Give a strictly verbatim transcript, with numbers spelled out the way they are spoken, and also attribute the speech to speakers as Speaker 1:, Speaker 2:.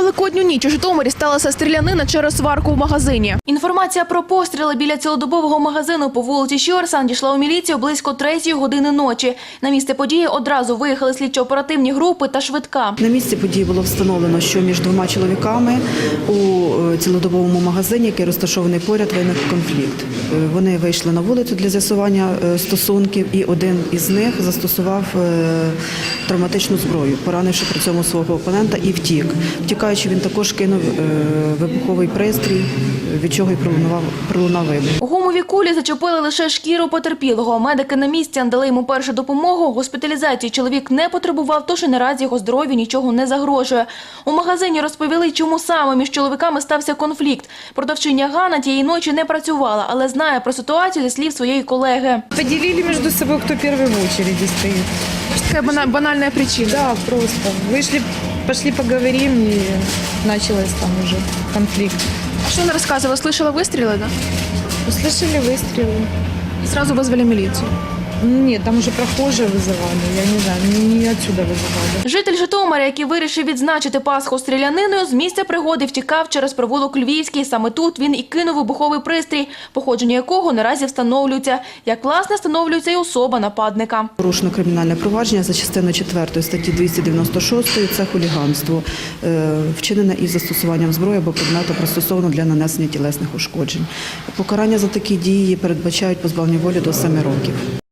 Speaker 1: Великодню ніч у Житомирі сталася стрілянина через сварку в магазині. Інформація про постріли біля цілодобового магазину по вулиці Щорса дійшла у міліцію близько третьої години ночі. На місце події одразу виїхали слідчо-оперативні групи та швидка.
Speaker 2: На місці події було встановлено, що між двома чоловіками у цілодобовому магазині, який розташований поряд, виник конфлікт. Вони вийшли на вулицю для з'ясування стосунків, і один із них застосував травматичну зброю, поранивши при цьому свого опонента, і втік. Втікаючи, він також кинув вибуховий пристрій, від чого й пролунав, пролунав вибух.
Speaker 1: Гумові кулі зачепили лише шкіру потерпілого. Медики на місці надали йому першу допомогу. Госпіталізації чоловік не потребував, тож і наразі його здоров'ю нічого не загрожує. У магазині розповіли, чому саме між чоловіками стався конфлікт. Продавчиня Ганна тієї ночі не працювала, але знає про ситуацію зі слів своєї колеги.
Speaker 3: Поделили между собой, кто первый в очереди стоит.
Speaker 1: Така банальна причина.
Speaker 3: Да, просто. Вышли, пошли поговорим, и началось там уже конфликт.
Speaker 1: А що вона розказувала? Слышала вистріли, да?
Speaker 3: Услышали выстрелы.
Speaker 1: І одразу визвали міліцію.
Speaker 3: Нет, там уже прохожие вызывали, я не знаю, не, не отсюда вызывали.
Speaker 1: Житель Житомира, який вирішив відзначити Пасху стріляниною, з місця пригоди втікав через провулок Львівський. Саме тут він і кинув вибуховий пристрій, походження якого наразі встановлюється. Як, власне, встановлюється і особа нападника.
Speaker 2: Порушено кримінальне провадження за частиною четвертої статті двісті дев'яносто шість – це хуліганство, вчинене із застосуванням зброї або предмету, пристосовано для нанесення тілесних ушкоджень. Покарання за такі дії передбачають позбавлення волі до семи років.